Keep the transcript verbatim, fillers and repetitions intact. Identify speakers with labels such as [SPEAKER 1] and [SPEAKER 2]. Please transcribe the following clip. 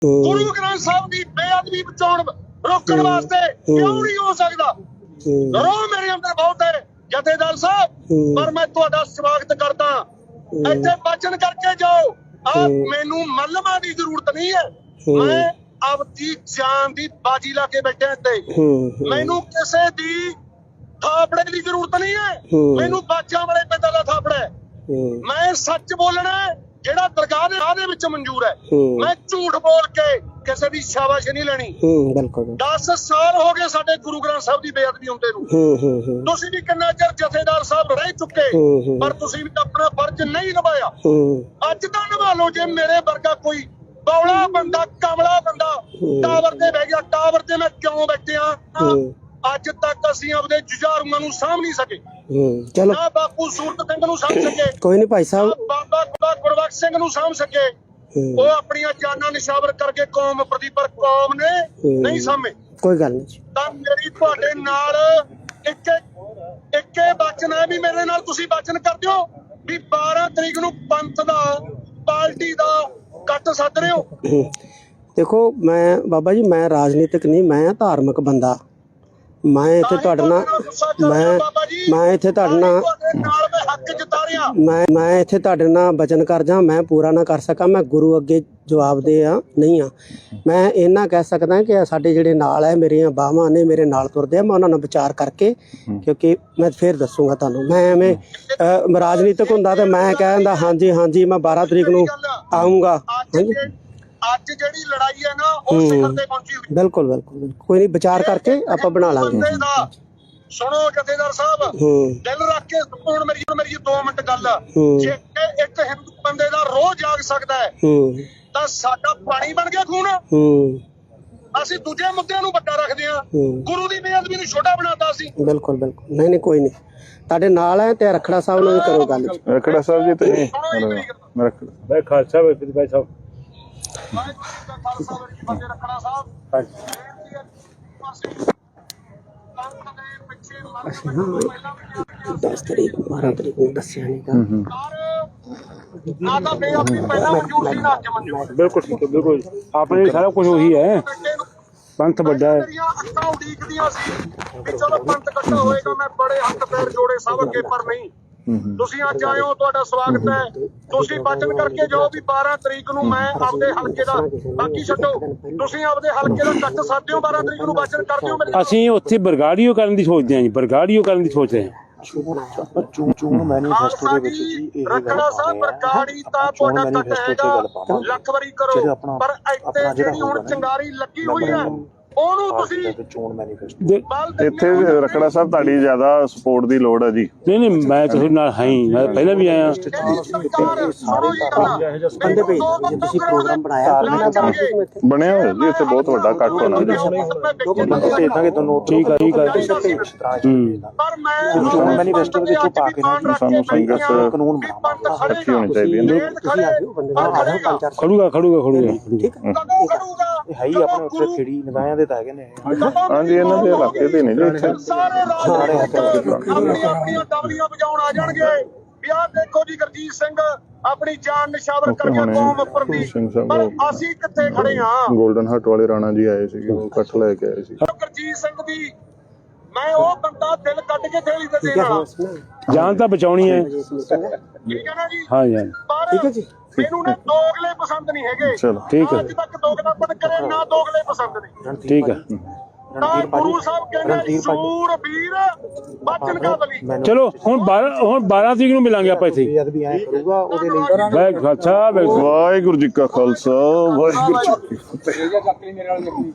[SPEAKER 1] ਗੁਰੂ ਗ੍ਰੰਥ ਸਾਹਿਬ ਦੀ ਬੇਅਦਬੀ ਬਚਾਉਣ ਰੋਕਣ ਵਾਸਤੇ ਕਿਉਂ ਨਹੀਂ ਹੋ ਸਕਦਾ? ਰੋ ਮੇਰੇ ਅੰਦਰ ਬਹੁਤ ਹੈ ਜਥੇਦਾਰ ਸਾਹਿਬ, ਪਰ ਮੈਂ ਤੁਹਾਡਾ ਸਵਾਗਤ ਕਰਦਾ। ਇੱਥੇ ਬਚਨ ਕਰਕੇ ਜਾਓ। ਆ ਮੈਨੂੰ ਮਲਮਾ ਦੀ ਜ਼ਰੂਰਤ ਨਹੀਂ ਹੈ, ਮੈਂ ਆਪਦੀ ਜਾਨ ਦੀ ਬਾਜੀ ਲਾ ਕੇ ਬੈਠਿਆ ਇੱਥੇ। ਮੈਨੂੰ ਕਿਸੇ ਦੀ ਥਾਪੜੇ ਦੀ ਜ਼ਰੂਰਤ ਨਹੀਂ ਹੈ, ਮੈਨੂੰ ਬਾਜਾਂ ਵਾਲੇ ਪਿੰਡਾਂ ਦਾ ਥਾਪੜਾ ਹੈ। ਮੈਂ ਸੱਚ ਬੋਲਣਾ ਜਿਹੜਾ ਦਰਗਾਹ ਦੇ ਵਿੱਚ ਮਨਜ਼ੂਰ ਹੈ। ਮੈਂ ਝੂਠ ਬੋਲ ਕੇ ਕਿਸੇ ਦੀ ਸ਼ਾਬਾਸ਼ ਨਹੀਂ ਲੈਣੀ। ਦਸ ਸਾਲ ਹੋ ਗਏ ਸਾਡੇ ਗੁਰੂ ਗ੍ਰੰਥ ਸਾਹਿਬ ਦੀ ਬੇਅਦਬੀ ਹੁੰਦੇ ਨੂੰ। ਤੁਸੀਂ ਵੀ ਕਿੰਨਾ ਚਿਰ ਜਥੇਦਾਰ ਸਾਹਿਬ ਰਹਿ ਚੁੱਕੇ, ਪਰ ਤੁਸੀਂ ਵੀ ਆਪਣਾ ਫਰਜ਼ ਨਹੀਂ ਨਿਭਾਇਆ। ਅੱਜ ਤਾਂ ਨਿਭਾ ਲਓ। ਜੇ ਮੇਰੇ ਵਰਗਾ ਕੋਈ ਬੌਲਾ ਬੰਦਾ, ਕਮਲਾ ਬੰਦਾ ਟਾਵਰ ਤੇ ਬਹਿ ਗਿਆ, ਟਾਵਰ ਤੇ ਮੈਂ ਕਿਉਂ ਬੈਠਿਆ? ਅੱਜ ਤੱਕ ਅਸੀਂ ਆਪਦੇ ਜੁਝਾਰੂਆਂ ਨੂੰ ਸਾਂਭ ਨਹੀਂ ਸਕੇ।
[SPEAKER 2] ਚਲੋ
[SPEAKER 1] ਨਾ ਬਾਪੂ ਸੂਰਤ ਸਿੰਘ ਨੂੰ ਸਾਂਭ ਸਕੇ,
[SPEAKER 2] ਕੋਈ ਨਹੀਂ ਭਾਈ ਸਾਹਿਬ,
[SPEAKER 1] ਬਾਬਾ ਗੁਰਬਖਸ਼ ਸਿੰਘ ਨੂੰ ਸਾਂਭ ਸਕੇ। ਉਹ ਆਪਣੀਆਂ ਜਾਨਾਂ ਨਿਸ਼ਾਵਰ ਕਰਕੇ ਕੌਮ ਪ੍ਰਤੀ, ਪਰ ਕੌਮ ਨੇ ਨਹੀਂ ਸਾਂਭੇ।
[SPEAKER 2] ਕੋਈ ਗੱਲ ਨਹੀਂ।
[SPEAKER 1] ਤਾਂ ਮੇਰੀ ਤੁਹਾਡੇ ਨਾਲ ਇੱਕੇ ਇੱਕੇ ਬਚਨ ਹੈ ਵੀ ਮੇਰੇ ਨਾਲ ਤੁਸੀਂ ਬਚਨ ਕਰ ਦਿਓ ਵੀ ਬਾਰਾਂ ਤਰੀਕ ਨੂੰ ਪੰਥ ਦਾ, ਪਾਰਟੀ ਦਾ ਕੱਟ ਸੱਦ ਰਹੇ ਹੋ।
[SPEAKER 2] ਦੇਖੋ ਮੈਂ ਬਾਬਾ ਜੀ, ਮੈਂ ਰਾਜਨੀਤਿਕ ਨਹੀਂ, ਮੈਂ ਧਾਰਮਿਕ ਬੰਦਾ। ਮੈਂ ਇੱਥੇ ਤੁਹਾਡੇ ਨਾਲ ਮੈਂ ਮੈਂ ਇੱਥੇ ਤੁਹਾਡੇ ਨਾਲ ਮੈਂ ਮੈਂ ਇੱਥੇ ਤੁਹਾਡੇ ਨਾਲ ਬਚਨ ਕਰ ਜਾ, ਮੈਂ ਪੂਰਾ ਨਾ ਕਰ ਸਕਾਂ। ਮੈਂ ਗੁਰੂ ਅੱਗੇ ਜਵਾਬ ਦੇ ਆ ਨਹੀਂ ਆ। ਮੈਂ ਇੰਨਾ ਕਹਿ ਸਕਦਾ ਕਿ ਸਾਡੇ ਜਿਹੜੇ ਨਾਲ ਹੈ, ਮੇਰੀਆਂ ਬਾਹਾਂ ਨੇ, ਮੇਰੇ ਨਾਲ ਤੁਰਦੇ ਆ, ਮੈਂ ਉਹਨਾਂ ਨਾਲ ਵਿਚਾਰ ਕਰਕੇ, ਕਿਉਂਕਿ ਮੈਂ ਫਿਰ ਦੱਸੂਗਾ ਤੁਹਾਨੂੰ। ਮੈਂ ਐਵੇਂ ਰਾਜਨੀਤਿਕ ਹੁੰਦਾ ਤੇ ਮੈਂ ਕਹਿੰਦਾ ਹਾਂਜੀ ਹਾਂਜੀ ਮੈਂ ਬਾਰਾਂ ਤਰੀਕ ਨੂੰ ਆਊਂਗਾ। ਹਾਂਜੀ
[SPEAKER 1] ਅੱਜ ਜਿਹੜੀ ਲੜਾਈ ਹੈ ਨਾ ਉਹ ਸਿਖਰ ਤੇ ਪਹੁੰਚੀ ਹੋਈ।
[SPEAKER 2] ਬਿਲਕੁਲ ਬਿਲਕੁਲ ਕੋਈ ਨਹੀਂ, ਵਿਚਾਰ ਕਰਕੇ ਆਪਾਂ ਬਣਾ ਲਾਂਗੇ।
[SPEAKER 1] ਸੁਣੋ ਜਥੇਦਾਰ ਸਾਹਿਬ, ਦਿਲ ਰੱਖ ਕੇ ਹੁਣ ਮੇਰੀ ਮੇਰੀ ਦੋ ਮਿੰਟ ਗੱਲ। ਜੇ ਇੱਕ ਹਿੰਦੂ ਬੰਦੇ ਦਾ ਰੋਹ ਜਾਗ ਸਕਦਾ ਹੈ ਤਾਂ ਸਾਡਾ ਪਾਣੀ ਬਣ ਗਿਆ ਖੂਨ। ਅਸੀਂ ਦੂਜੇ ਮੁੱਦਿਆਂ ਨੂੰ ਵੱਡਾ ਰੱਖਦੇ ਹਾਂ, ਗੁਰੂ ਦੀ ਬੇਅਦਬੀ ਨੂੰ ਛੋਟਾ ਬਣਾਤਾ ਸੀ।
[SPEAKER 2] ਬਿਲਕੁਲ ਬਿਲਕੁਲ ਨਹੀਂ ਨਹੀਂ ਕੋਈ ਨਹੀਂ, ਤੁਹਾਡੇ ਨਾਲ ਹੈ। ਤੇ ਰਖੜਾ ਸਾਹਿਬ ਨੂੰ ਵੀ ਕਰੋ ਗੱਲ।
[SPEAKER 3] ਰਖੜਾ ਸਾਹਿਬ ਜੀ ਤੁਸੀਂ ਮੈਂ ਰਖੜਾ ਭਾਈ ਖਾਲਸਾ ਭਾਈ ਸਾਹਿਬ
[SPEAKER 2] ਦਸ ਤਰੀਕ ਬਾਰਾਂ ਤਰੀਕ ਨੂੰ ਦੱਸਿਆ ਨਹੀਂ ਗਾ।
[SPEAKER 1] ਨਾ ਤਾਂ ਬੇਅਦਬੀ ਪਹਿਲਾਂ ਮਨਜ਼ੂਰ ਸੀ, ਨਾ ਅੱਜ ਮਨਜ਼ੂਰ।
[SPEAKER 3] ਬਿਲਕੁਲ ਠੀਕ ਹੈ, ਬਿਲਕੁਲ ਆਪਣੇ ਸਾਰਾ ਕੁਝ ਉਹੀ ਹੈ। ਪੰਥ ਵੱਡਾ ਹੈ।
[SPEAKER 1] ਅੱਖਾਂ ਉਡੀਕਦੀਆਂ ਸੀ ਵੀ ਚਲੋ ਪੰਥ ਇਕੱਠਾ ਹੋਏਗਾ। ਮੈਂ ਬੜੇ ਹੱਥ ਪੈਰ ਜੋੜੇ ਸਭ ਅੱਗੇ, ਪਰ ਨਹੀਂ। ਤੁਸੀਂ ਅੱਜ ਆਏ ਹੋ, ਤੁਹਾਡਾ ਸਵਾਗਤ ਹੈ। ਤੁਸੀਂ ਬਚਨ ਕਰਕੇ ਜਾਓ ਵੀ ਬਾਰਾਂ ਤਰੀਕ ਨੂੰ ਮੈਂ ਆਪਦੇ ਹਲਕੇ ਦਾ, ਬਾਕੀ ਛੱਡੋ, ਤੁਸੀਂ ਆਪਦੇ ਹਲਕੇ ਦਾ ਕੱਟ ਸਕਦੇ ਹੋ। ਬਾਰਾਂ ਤਰੀਕ ਨੂੰ ਬਚਨ ਕਰ ਦਿਓ।
[SPEAKER 3] ਅਸੀਂ ਉੱਥੇ ਬਰਗਾੜੀਓ ਕਰਨ ਦੀ ਸੋਚਦੇ ਹਾਂ ਜੀ, ਬਰਗਾੜੀਓ ਕਰਨ ਦੀ ਸੋਚ ਰਹੇ ਹਾਂ।
[SPEAKER 4] ਚੋਣ ਮੈਨੀਫੈਸਟੋ ਦੇ ਵਿੱਚ ਜੀ ਇਹ
[SPEAKER 1] ਰਖੜਾ ਸਾਹਿਬ ਬਰਗਾੜੀ ਤਾਂ ਤੁਹਾਡਾ ਕੱਟ ਹੈਗਾ, ਲੱਖ ਵਾਰੀ ਕਰੋ, ਪਰ ਇੱਥੇ ਜਿਹੜੀ ਹੁਣ ਚੰਗਾਰੀ ਲੱਗੀ ਹੋਈ ਹੈ ਉਹਨੂੰ ਤੁਸੀਂ
[SPEAKER 4] ਚੋਣ ਮੈਨੀਫੈਸਟੋ
[SPEAKER 3] ਇੱਥੇ ਰਖੜਾ ਸਾਹਿਬ ਤੁਹਾਡੀ ਜ਼ਿਆਦਾ ਸਪੋਰਟ ਦੀ ਲੋੜ ਹੈ ਜੀ। ਨਹੀਂ ਨਹੀਂ ਮੈਂ ਤੁਹਾਡੇ ਨਾਲ ਹਾਂ ਹੀ, ਮੈਂ ਪਹਿਲਾਂ ਵੀ ਆਇਆ।
[SPEAKER 2] ਬੰਦੇ ਭੇਜ ਜੇ ਤੁਸੀਂ ਪ੍ਰੋਗਰਾਮ ਬਣਾਇਆ
[SPEAKER 3] ਬਣਿਆ ਹੋਇਆ ਜੀ, ਇੱਥੇ ਬਹੁਤ ਵੱਡਾ ਕੱਟ ਹੋਣਾ ਜੀ।
[SPEAKER 4] ਭੇਜ ਦਾਂਗੇ ਤੁਹਾਨੂੰ।
[SPEAKER 3] ਠੀਕ ਹੈ ਠੀਕ ਹੈ।
[SPEAKER 1] ਪਰ ਮੈਂ
[SPEAKER 4] ਚੋਣ ਮੈਨੀਫੈਸਟੋ ਦੇ ਵਿੱਚ ਪਾ ਕੇ
[SPEAKER 3] ਸਾਨੂੰ ਸੰਗਤ
[SPEAKER 4] ਕਾਨੂੰਨ
[SPEAKER 3] ਇਕੱਠੀ ਹੋਣੀ ਚਾਹੀਦੀ ਹੈ। ਖੜੂਗਾ ਖੜੂਗਾ ਖੜੂਗਾ
[SPEAKER 2] ਠੀਕ ਹੈ।
[SPEAKER 4] ਇਹ ਹੈ ਹੀ ਆਪਣੇ ਉੱਥੇ ਖੇੜੀ ਨਿਗਾਹਾਂ ਦੇ ਤਾਂ ਹੈਗੇ ਨੇ।
[SPEAKER 3] ਹਾਂਜੀ ਇਹਨਾਂ ਦੇ ਇਲਾਕੇ ਦੇ ਨੇ ਜੀ ਇੱਥੇ
[SPEAKER 1] ਸਾਰੇ ਆਪਣੀਆਂ ਆਪਣੀਆਂ ਡਬਲੀਆਂ ਵਜਾਉਣ ਆ ਜਾਣਗੇ ਵੀ ਆਹ ਦੇਖੋ ਜੀ ਗੁਰਜੀਤ ਸਿੰਘ ਆਪਣੀ ਜਾਨ ਨਿਸ਼ਾਵਰ ਕਰ ਗਿਆ ਕੌਮ ਉੱਪਰ ਦੀ। ਪਰ ਅਸੀਂ ਕਿੱਥੇ ਖੜੇ ਹਾਂ?
[SPEAKER 3] ਗੋਲਡਨ ਹਟ ਵਾਲੇ ਰਾਣਾ ਜੀ ਆਏ ਸੀਗੇ, ਉਹ ਇਕੱਠ ਲੈ ਕੇ ਆਏ ਸੀ।
[SPEAKER 1] ਗੁਰਜੀਤ ਸਿੰਘ ਦੀ ਮੈਂ ਉਹ ਬੰਦਾ ਦਿਲ ਕੱਢ ਕੇ ਥੇਲੀ ਤੇ ਦੇਣ ਵਾਲਾ।
[SPEAKER 3] ਜਾਨ ਤਾਂ ਬਚਾਉਣੀ ਹੈ।
[SPEAKER 1] ਠੀਕ ਹੈ ਨਾ ਜੀ?
[SPEAKER 3] ਹਾਂ ਜੀ
[SPEAKER 1] ਠੀਕ ਹੈ ਜੀ। ਮੈਨੂੰ ਨਾ ਦੋਗਲੇ ਪਸੰਦ ਨਹੀਂ ਹੈਗੇ।
[SPEAKER 3] ਚਲੋ ਠੀਕ ਹੈ।
[SPEAKER 1] ਅੱਜ ਤੱਕ ਦੋਗਲਾਪਨ ਕਰੇ ਨਾ ਦੋਗਲੇ ਪਸੰਦ ਨੇ।
[SPEAKER 3] ਠੀਕ ਹੈ।
[SPEAKER 1] ਤਾਂ ਗੁਰੂ ਸਾਹਿਬ ਕਹਿੰਦੇ ਸੂਰ ਵੀਰ ਬਚਨ ਕਾ ਬਲੀ।
[SPEAKER 3] ਚਲੋ ਹੁਣ ਬਾਰਾਂ ਹੁਣ ਬਾਰਾਂ ਤਰੀਕ ਨੂੰ ਮਿਲਾਂਗੇ ਆਪਾਂ ਇੱਥੇ।
[SPEAKER 4] ਬੇਅਦਬੀ ਐ ਕਰੂਗਾ ਉਹਦੇ ਲਈ।
[SPEAKER 3] ਵਾਹਿਗੁਰੂ ਜੀ ਕਾ ਖਾਲਸਾ, ਵਾਹਿਗੁਰੂ ਜੀ ਕੀ ਫਤਿਹ।